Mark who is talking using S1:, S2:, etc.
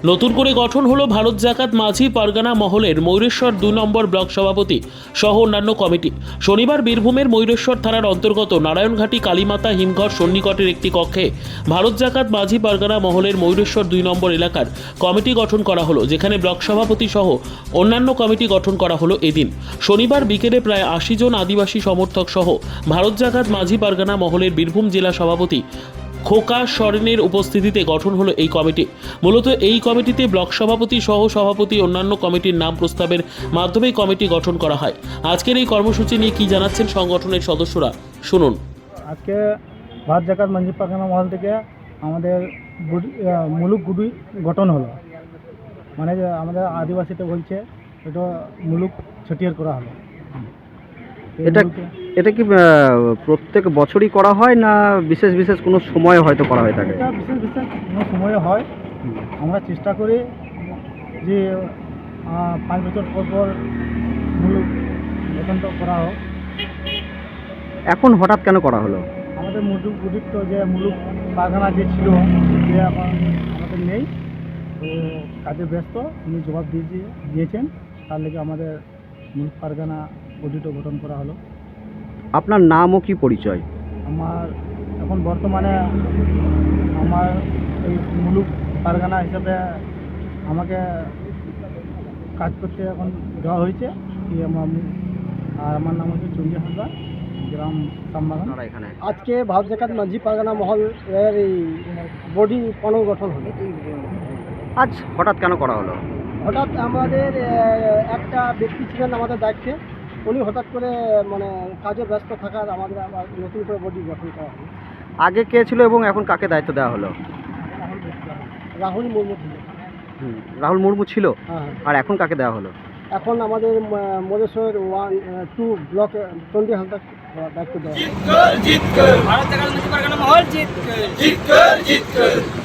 S1: নতুন করে গঠন হলো ভারত জাকাত মাঝি পারগানা মহলের ময়ূরেশ্বর 2 নম্বর ব্লক সভাপতি সহ অন্যান্য কমিটি। শনিবার বীরভূমের ময়ূরেশ্বর থানার অন্তর্গত নারায়ণঘাটি কালীমাতা হিমঘর সন্নিকটের একটি কক্ষে ভারত জাকাত মাঝি পারগানা মহলের ময়ূরেশ্বর 2 নম্বর এলাকার কমিটি গঠন করা হলো, যেখানে ব্লক সভাপতি সহ অন্যান্য কমিটি গঠন করা হলো। এদিন শনিবার বিকেলে প্রায় 80 জন আদিবাসী সমর্থক সহ ভারত জাকাত মাঝি পারগানা মহলের বীরভূম জেলা সভাপতি খোকা সরেনের উপস্থিতিতে গঠন হলো এই কমিটি। মূলত এই কমিটিতে ব্লক সভাপতি সহ সভাপতি অন্যান্য কমিটির নাম প্রস্তাবের মাধ্যমে কমিটি গঠন করা হয়। আজকের এই কর্মসূচি নিয়ে কি জানাচ্ছেন সংগঠনের সদস্যরা, শুনুন।
S2: আজকে ভারত জাকাত মাঝি পারগানা মহল থেকে আমাদের মুলুক গুডি গঠন হলো, মানে যে আমাদের আদিবাসীতে বলছে এটা মুলুক ছটিয়ার করা হলো।
S3: এটা কি প্রত্যেক বছরই করা হয় না বিশেষ বিশেষ কোনো সময় হয়তো করা হয়ে থাকে?
S2: এটা বিশেষ বিশেষ কোনো সময়ে হয়। আমরা চেষ্টা করি যে 5 বছর পর পর মুলুক গঠনটা করা হোক।
S3: এখন হঠাৎ কেন করা হলো?
S2: আমাদের মুলুক গুডির তো যে মুলুক পারগানা যে ছিল, যে এখন আমাদের নেই, তো কাজে ব্যস্ত, উনি জবাব দিয়েছেন, তার লেগে আমাদের মুলুক পারগানা গুডিটা গঠন করা হলো।
S3: আপনার নাম ও কি পরিচয়?
S2: আমার এখন বর্তমানে আমার এই মুলুক পারগানা হিসেবে আমাকে কাজ করতে এখন দেওয়া হয়েছে কি আর আমার নাম হচ্ছে চন্ডী হালদার, গ্রাম সামবাগান।
S3: এখানে
S2: আজকে ভারত জাকাত মাঝি পারগানা মহল এর এই বডি পুনর্গঠন হলো।
S3: আজ হঠাৎ কেন করা হলো?
S2: হঠাৎ আমাদের একটা ব্যক্তি ছিলেন আমাদের দায়িত্বে, উনি হঠাৎ করে মানে কাজে ব্যস্ত থাকার আমাদের আবার নতুন করে বডি গঠন করা হলো।
S3: আগে কে ছিল এবং এখন কাকে দায়িত্ব দেওয়া হলো?
S2: রাহুল মুর্মু ছিল।
S3: রাহুল মুর্মু ছিল।
S2: হ্যাঁ,
S3: আর এখন কাকে দেওয়া হলো?
S2: এখন আমাদের মধেশ্বর 1-2 ব্লকে চন্ডী হালদার দায়িত্ব দেওয়া।